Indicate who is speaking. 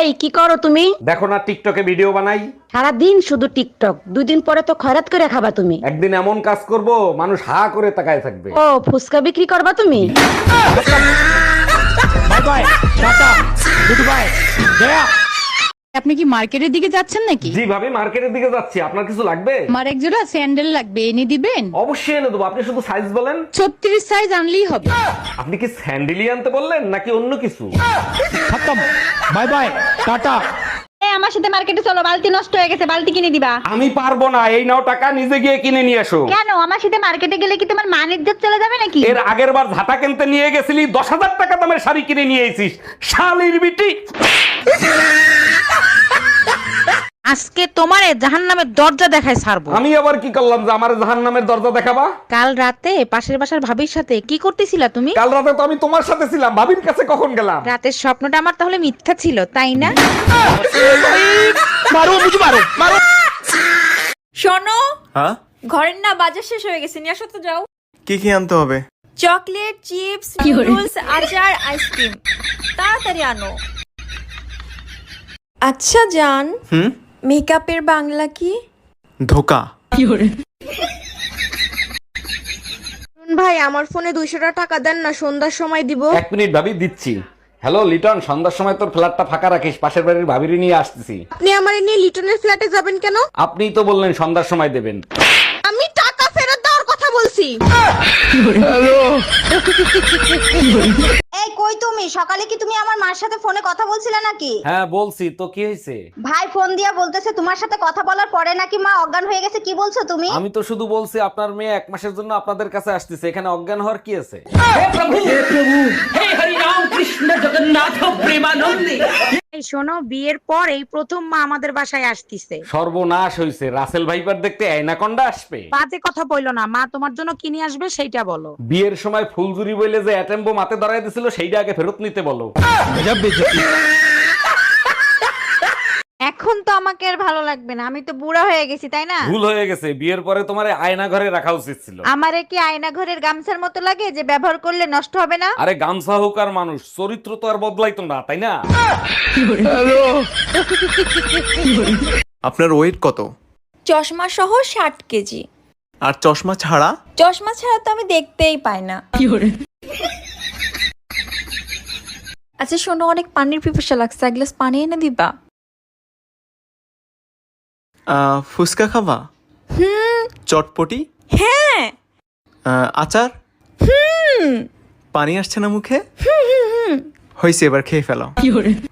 Speaker 1: এই কি করো তুমি?
Speaker 2: দেখো না টিকটকে ভিডিও বানাই।
Speaker 1: সারাদিন শুধু টিকটক, 2 দিন পরে তো খয়রাত করে খাবা তুমি।
Speaker 2: একদিন এমন কাজ করব মানুষ হা করে তাকায় থাকবে।
Speaker 1: ও ফুসকা বিক্রি করবা তুমি?
Speaker 3: Bye bye, tata, good bye, গয়া।
Speaker 4: আপনি কি মার্কেটের দিকে যাচ্ছেন নাকি?
Speaker 2: জি ভাবি, মার্কেটের দিকে যাচ্ছি। আপনার কিছু লাগবে?
Speaker 4: আমার এক জোড়া স্যান্ডেল লাগবে, এনে দিবেন?
Speaker 2: অবশ্যই এনে দেবো, আপনি শুধু সাইজ বলেন।
Speaker 4: 36 সাইজ আনলেই হবে।
Speaker 2: আপনি কি স্যান্ডেলি আনতে বললেন নাকি অন্য কিছু?
Speaker 3: খতম, বাই বাই, টাটা।
Speaker 5: আমার সাথে মার্কেটে চলো, বালতি নষ্ট হয়ে গেছে, বালতি কিনে দিবা।
Speaker 2: আমি পারবো না, এই নাও টাকা, নিজে গিয়ে কিনে নিয়ে এসো।
Speaker 5: কেন? আমার সাথে মার্কেটে গেলে কি তোমার মান ইজ্জত চলে যাবে নাকি?
Speaker 2: এর আগের বার ঝাঁটা কিনতে নিয়ে গেছিলি, 10,000 টাকা দামের শাড়ি কিনে নিয়ে এসিস, শালির বিটি।
Speaker 6: আজকে তোমারে জাহান্নামের দরজা দেখায় ছাড়বো।
Speaker 2: আমি আবার কি করলাম যে আমার জাহান্নামের দরজা দেখাবা?
Speaker 6: কাল রাতে পাশের বাসার ভাবির সাথে কি করতেছিলা তুমি?
Speaker 2: কাল রাতে তো আমি তোমার সাথে ছিলাম, ভাবির কাছে কখন গেলাম?
Speaker 6: রাতের স্বপ্নটা আমার তাহলে মিথ্যা ছিল, তাই না?
Speaker 3: মারো মুঝে মারো, মারো।
Speaker 7: শোনো,
Speaker 8: হ্যাঁ,
Speaker 7: ঘরের না বাজার শেষ হয়ে গেছে, নিয়ে আসো তো যাও।
Speaker 8: কি কি আনতে হবে?
Speaker 7: চকলেট, চিপস, নুডলস, আচার, আইসক্রিম, তাড়াতাড়ি আনো। আচ্ছা জান, মেকআপের বাংলা কি?
Speaker 8: ধোকা।
Speaker 9: ভাই আমার ফোনে 200 টাকা দেন না, সন্ধ্যার সময় দিব।
Speaker 2: 1 মিনিট ভাবি, দিচ্ছি। হ্যালো লিটন, সন্ধ্যার সময় তোর ফ্ল্যাটটা ফাঁকা রাখিস, পাশের বাড়ির ভাবিরি নিয়ে আসতেছি।
Speaker 9: আপনি আমার নিয়ে লিটনের ফ্ল্যাটে যাবেন কেন?
Speaker 2: আপনিই তো বললেন সন্ধ্যার সময় দেবেন।
Speaker 9: আমি টাকা ফেরত দেওয়ার কথা বলছি।
Speaker 5: এই কই তুমি? সকালে কি তুমি আমার মার সাথে ফোনে কথা বলছিলে নাকি?
Speaker 2: হ্যাঁ বলছি তো, কি হয়েছে?
Speaker 5: ভাই ফোন দিয়া বলতেছে তোমার সাথে কথা বলার পরে নাকি মা অজ্ঞান হয়ে গেছে। কি বলছো তুমি?
Speaker 2: আমি তো শুধু বলছি আপনার মেয়ে 1 মাসের জন্য আপনাদের কাছে আসতেছে, এখানে অজ্ঞান হওয়ার কি আছে?
Speaker 6: এই শোনো, বিয়ের পর এই প্রথম মা আমাদের বাসায় আসতিছে।
Speaker 2: সর্বনাশ হইছে, রাসেল ভাইপার দেখতে আয়নাকন্ডা আসবে।
Speaker 6: বাজে কথা বইলো না, মা তোমার জন্য কিনে আসবে সেইটা বলো।
Speaker 2: বিয়ের সময় ফুলজুরি বইলে যে অ্যাটেম্বো মাতে ধরায় দিছিল, সেইটা আগে ফেরত নিতে বলো।
Speaker 3: গজব বেইজ্জতি।
Speaker 5: এখন তো আমাকে আর ভালো লাগবে না, আমি তো বুড়া হয়ে গেছি, তাই না?
Speaker 2: ভুল হয়ে গেছে, বিয়ের পরে তোমার আয়না ঘরে রাখা উচিত ছিল।
Speaker 5: আমারে কি আয়না ঘরের গামছার মতো লাগে যে ব্যবহার করলে নষ্ট হবে না?
Speaker 2: আরে গামছা হোক আর মানুষ, চরিত্র তো আর বদলাইতো না, তাই না?
Speaker 8: আপনার ওয়েট কত?
Speaker 7: চশমা সহ 60 কেজি।
Speaker 8: আর চশমা ছাড়া?
Speaker 7: চশমা ছাড়া তো আমি দেখতেই পাই না। আচ্ছা শোনো, অনেক পানির পিপাসা লাগছে, এক গ্লাস পানি এনে দিবা?
Speaker 8: ফুচকা খাবা? চটপটি?
Speaker 7: হ্যাঁ।
Speaker 8: আচার? পানি আসছে না মুখে? হয়েছে, এবার খেয়ে ফেলো।